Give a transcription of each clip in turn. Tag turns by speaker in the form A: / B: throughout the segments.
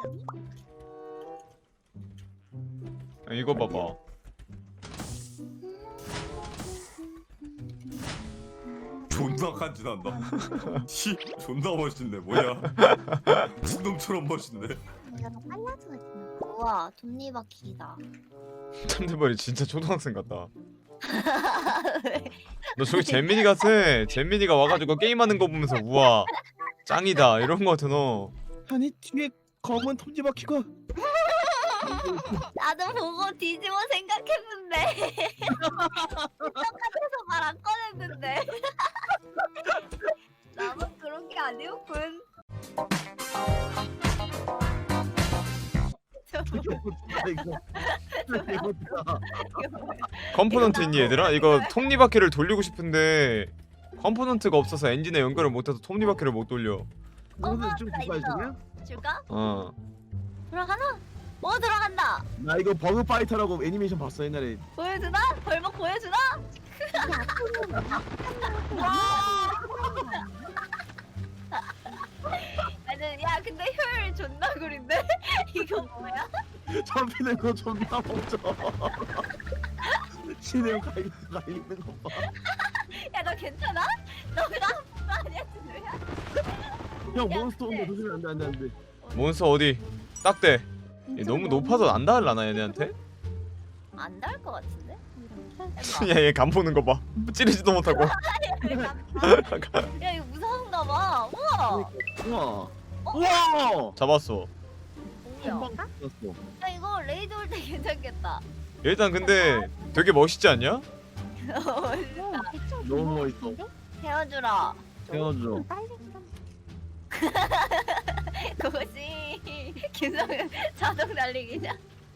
A: 이거 봐봐.
B: 존나 간지난다. 씨, 존나 멋있네. 뭐야? 죽놈처럼 멋있네.
C: 내가 더 빨라져가지고. 우와, 톱니바퀴다.
A: 참대머리 진짜 초등학생 같다. 너 저기 잼민이 같아. 잼민이가 와가지고 게임하는 거 보면서 우와 짱이다 이런 거 같아 너.
D: 아니 뒤에 검은 톱니바퀴가
C: 나도 보고 뒤집어 생각했는데. 똑같아서 말 안 꺼냈는데. 나만 그런 게 아니었군.
A: 컴포넌트 있니 얘들아? 이거 톱니바퀴를 돌리고 싶은데 컴포넌트가 없어서 엔진에 연결을 못해서 톱니바퀴를 못 돌려.
D: 너는 좀
C: 나
D: 기다려
C: 있어.
D: 주냐?
C: 줄까?
A: 어.
C: 들어가나? 들어간다.
D: 나 이거 버그 파이터라고 애니메이션 봤어 옛날에.
C: 보여주나? 벌목 보여주나? 나는 야 근데 효율 존나 구린데? 이거 뭐야?
D: 잡히는 거 존나 멋져. 신혜영 가 있는 거 봐.
C: 야 너 괜찮아? 너가 아픈 거 아니야 진우야?
D: 형 몬스터 온다 조심해 안돼.
A: 몬스터 어디? 딱대. 얘 너무 높아서 안 닿을라나 얘네한테?
C: 안 닿을 것 같은데?
A: 야얘 간 보는 거 봐. 찌르지도 못하고.
C: 야 이거 무서운가 봐. 우와.
D: 우와. 우와.
A: 잡았어.
C: 뭐야?
D: 한방 났어.
C: 야 이거 레이드 올 때 괜찮겠다.
A: 일단 근데 되게 멋있지 않냐?
D: 너무 멋있어.
C: 태워주라.
D: 태워줘.
C: 그것이 김성은 자동 달리기냐?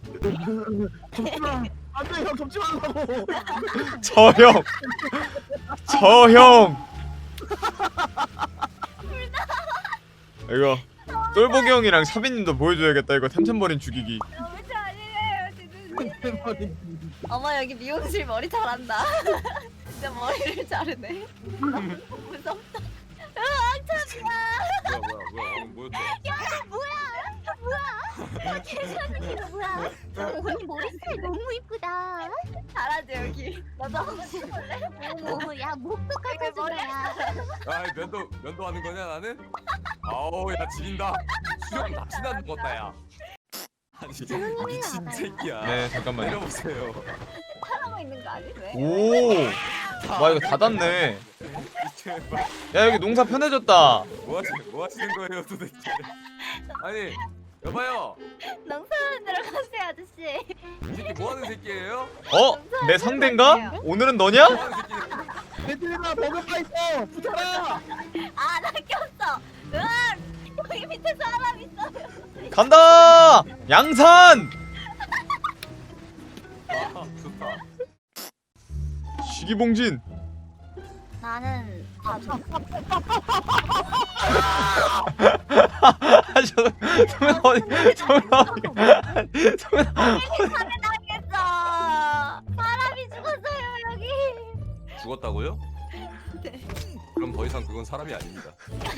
D: 접지마. 안돼 형 접지 말라고.
A: 저 형. 저 형. 이거 똘보기 형이랑 사비님도 보여줘야겠다. 이거 템템버린 죽이기.
C: 너무 잘해요 지금. 어머 여기 미용실 머리 잘한다. 진짜 머리를 자르네. 무섭다.
B: 뭐야?
C: 뭐야?
E: 이거 뭐야? 언니 머리스타일 너무 이쁘다.
C: 잘하지 여기. 너도 하고 싶을래?
E: 어머, 야 목도 깎아주냐?
B: 아, 면도 하는 거냐 나는? 아우, 야 지린다. 수염 납치나는 것다 야. 아니 미친 새끼야.
A: 네 잠깐만요.
B: 내려보세요.
C: 하고 있는 거 아니? 왜?
A: 오. 와 이거 닫았네.
B: 제발.
A: 야 여기 농사 편해졌다.
B: 뭐 하시는 거예요 도대체? 아니 여봐요.
C: 농사는 들어가세요 아저씨.
B: 이 새끼 뭐 하는 새끼예요?
A: 어? 내 상대인가? 오늘은 너냐?
B: 뭐 하는 새끼예요?
D: 얘들아 버그 파이터 붙어라.
C: 아나 꼈어. 으악! 여기 밑에 사람 있어요.
A: 간다! 양산!
B: 아, 좋다.
A: 시기봉진.
C: 나는 아
A: 성현 어디? 성현 어디? 성현
C: 당했어. 사람이 죽었어요 여기.
B: 죽었다고요?
C: 네.
B: 그럼 더 이상 그건 사람이 아닙니다.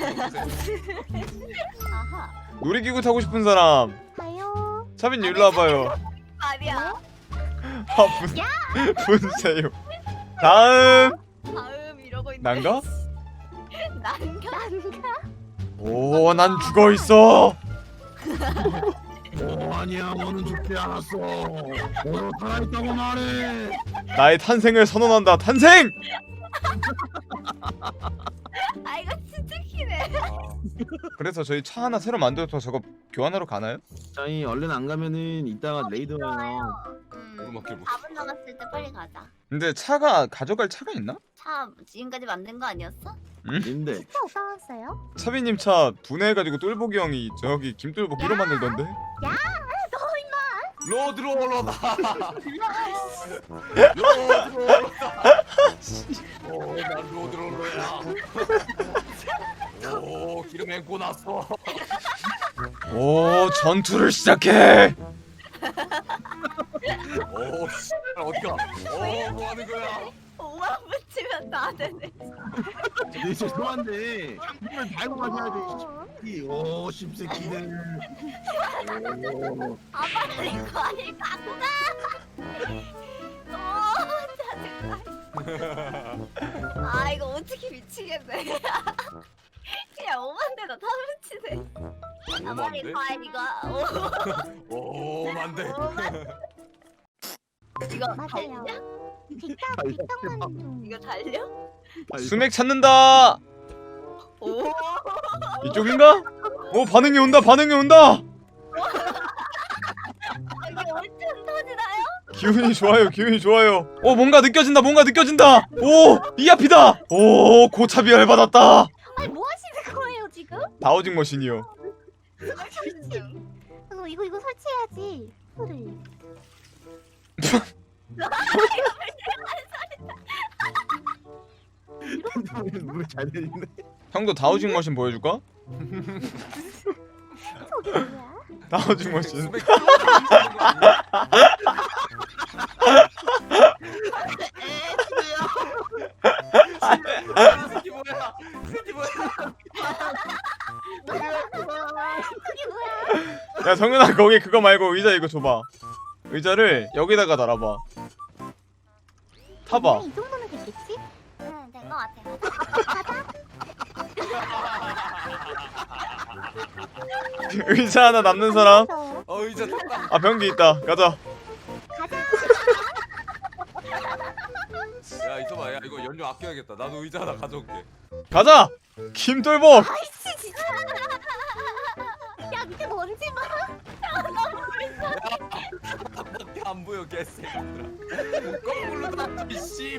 C: 아하.
A: 놀이기구 타고 싶은 사람.
E: 가요.
A: 차빈 일로 와봐요.
C: 아니야.
A: 아 분세요. 다음
C: 다음 이러고 있는.
A: 난가?
C: 난가?
A: 오, 난 죽어 있어.
D: 오 아니야 너는 죽지 않았어. 너도 살아있다고 말해.
A: 나의 탄생을 선언한다. 탄생!
C: 아 이거 진짜 키네.
B: 아,
A: 그래서 저희 차 하나 새로 만들어서 저거 교환하러 가나요?
D: 저희 얼른 안 가면은 이따가 레이더 와요.
B: 오르막길 못.
C: 4분 남았을 때 빨리 가자.
A: 근데 차가 가져갈 차가 있나?
C: 차 지금까지 만든 거 아니었어?
D: 근데
E: 진짜 오빠 왔어요?
A: 차빈님 차 분해해가지고 똘보기 형이 저기 김똘보 끼로 만들던데.
B: 로드롤러다. 오난 로드롤러야. 오 기름 앵고 났어.
A: 오, 전투를 시작해.
B: 오 씨, 어디가? 오 뭐하는 거야?
C: 5만 붙이면 다 되네.
D: 네, 죄송한데 물을 달고 가셔야 돼. 오 십새끼들. 오.
C: 아 빨리 과일 갖고 가. 짜증나. 아 이거 어떻게 미치겠네. 그냥 오만대다 다 미치네. 아 빨리
B: 오만데?
C: 과일 이거.
B: 오만데.
C: 이거
E: 맞아요.
C: 달려?
E: 뒷땅만 좀.
C: 이거 달려?
A: 수맥 찾는다.
C: 오.
A: 이쪽인가? 오 반응이 온다. 반응이 온다.
C: 이게 엄청 터지나요?
A: 기운이 좋아요. 기운이 좋아요. 오 뭔가 느껴진다. 뭔가 느껴진다. 오 이 앞이다. 오 고차비 열받았다.
E: 아니 뭐 하시는 거예요 지금?
A: 다우징 머신이요.
E: 이거 설치해야지. 소를.
D: 물잘 들리네.
A: 형도 다우징 머신 보여줄까?
E: 저게 뭐야?
A: 다우징 머신.
B: 수백 새끼 뭐야? 새끼 뭐야?
E: 저게 뭐야?
A: 야 정윤아 거기 그거 말고 의자 이거 줘봐. 의자를 여기다가 달아봐. 타봐.
E: 이 정도면 됐겠지?
C: 응, 된 거 같아.
A: 의자 하나 남는 사람.
E: 그래서
B: 의자 탔다.
A: 아 변기 있다. 가자.
B: 야 있어봐. 야 이거 연료 아껴야겠다. 나도 의자 하나 가져올게.
A: 가자. 김돌복.
E: 아이씨 진짜. 야 밑에 먼지 봐.
B: 밖에 안 보여 개새끼들아. 거꾸로 탔지 씨.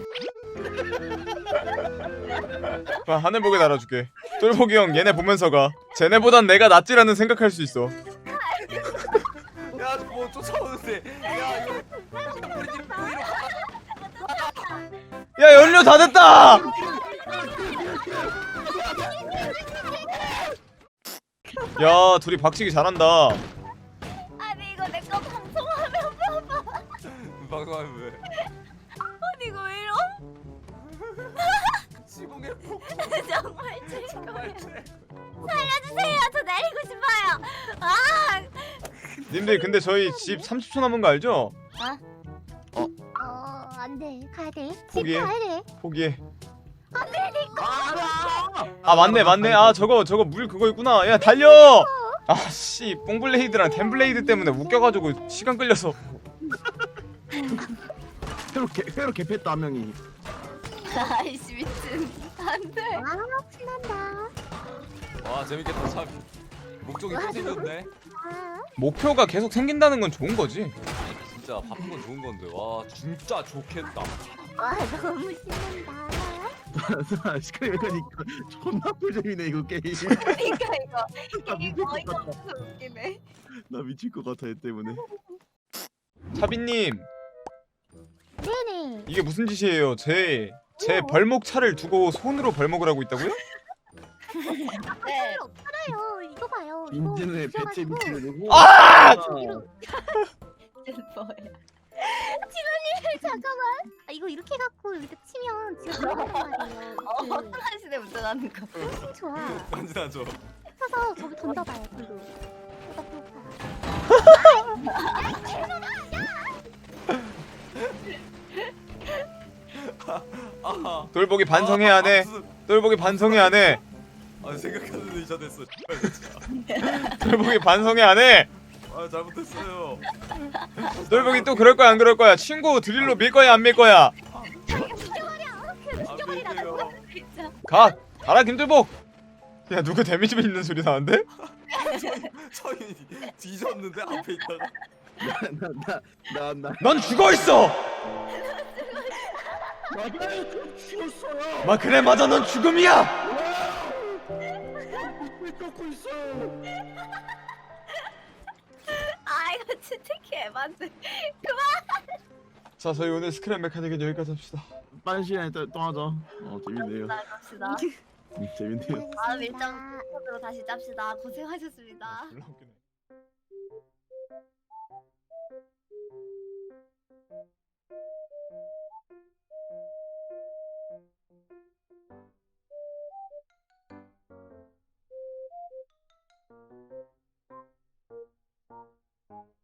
A: 봐 하늘보게 달아줄게. 똘복이 형 얘네 보면서 가. 쟤네보단 내가 낫지라는 생각할 수 있어.
B: 야 뭐 쫓아오는데. 야 이거 우리 집 부위로
A: 야 연료 다 됐다. 야 둘이 박치기 잘한다.
C: 아니 이거 내 거 방송하면 봐봐.
B: 방송하면 왜?
C: 아니 이거 왜 이러?
B: 시공의 폭.
C: 정말 즐거워요. 살려주세요. 저 내리고 싶어요. 아.
A: 님들 근데 저희 집 30초 남은 거 알죠?
E: 안돼 가야 돼.
A: 포기해.
E: 집 가야 돼.
A: 포기해.
D: 알아.
A: 아 맞네. 아 저거 물 그거 있구나. 야 달려. 아씨 뽕블레이드랑 템블레이드 때문에 웃겨가지고 시간 끌려서.
D: 회로 개패했다 한 명이.
C: 아이씨 미친. 안돼.
E: 아 신난다.
B: 와 재밌겠다 참. 목적이 또 생겼네.
E: 아,
A: 목표가 계속 생긴다는 건 좋은 거지.
B: 진짜 바쁜 건 좋은 건데 와 진짜 좋겠다.
E: 와 너무 신난다.
D: 시크릿 메카닉 존나 꿀잼이네 이거 게임.
C: 그러니까 이거
D: 나
C: 이게
D: 미칠 것
C: 어이가
D: 같아.
C: 없어 웃기네.
D: 나 미칠 것 같아 얘 때문에.
A: 차비님
E: 네네.
A: 이게 무슨 짓이에요? 제 벌목 차를 두고 손으로 벌목을 하고 있다고요?
C: 네.
E: 팔아요. 이거 봐요. 이거
D: 인진의 배째
E: 부셔가지고
D: 미치고.
A: 아!
E: 저기로
C: 뭐야?
E: 잠깐만. 아 이거 이렇게 갖고 이렇게 치면 지금 들어간단 말이에요.
C: 허술한 시대 운전하는 거.
E: 그 좋아.
B: 완전하죠.
E: 서서 저기 던져봐요. 뒤로.
B: 아.
A: 돌복이 반성해 안 해. 돌복이 반성해 안 해.
B: 아 생각하는 의자 됐어. 진짜.
A: 돌복이 반성해 안 해.
B: 아 잘못했어요.
A: 돌복이 또 그럴 거야 안 그럴 거야? 친구 드릴로 밀 거야 안 밀 거야?
B: 안 밀게요.
C: 진짜.
A: 가라 김돌복. 야 누구 데미지 있는 소리 나는데?
B: 서인이 뒤졌는데 앞에 있다가.
D: 나나
A: 넌 죽어 있어.
D: 맞아요. 죽었어요.
A: 마 그래 맞아 넌 죽음이야.
D: 왜 꺾고 있어?
C: 아 이거 진짜 개만데.
A: 자 저희 오늘 스크랩 메카닉은 여기까지 합시다.
D: 빠른 시간에 또 하자. 재밌네요.
C: 나갑시다.
D: 재밌네요.
C: 다음 일정 으로 다시 짭시다. 고생하셨습니다.
A: 졸라 웃기네.
C: 아,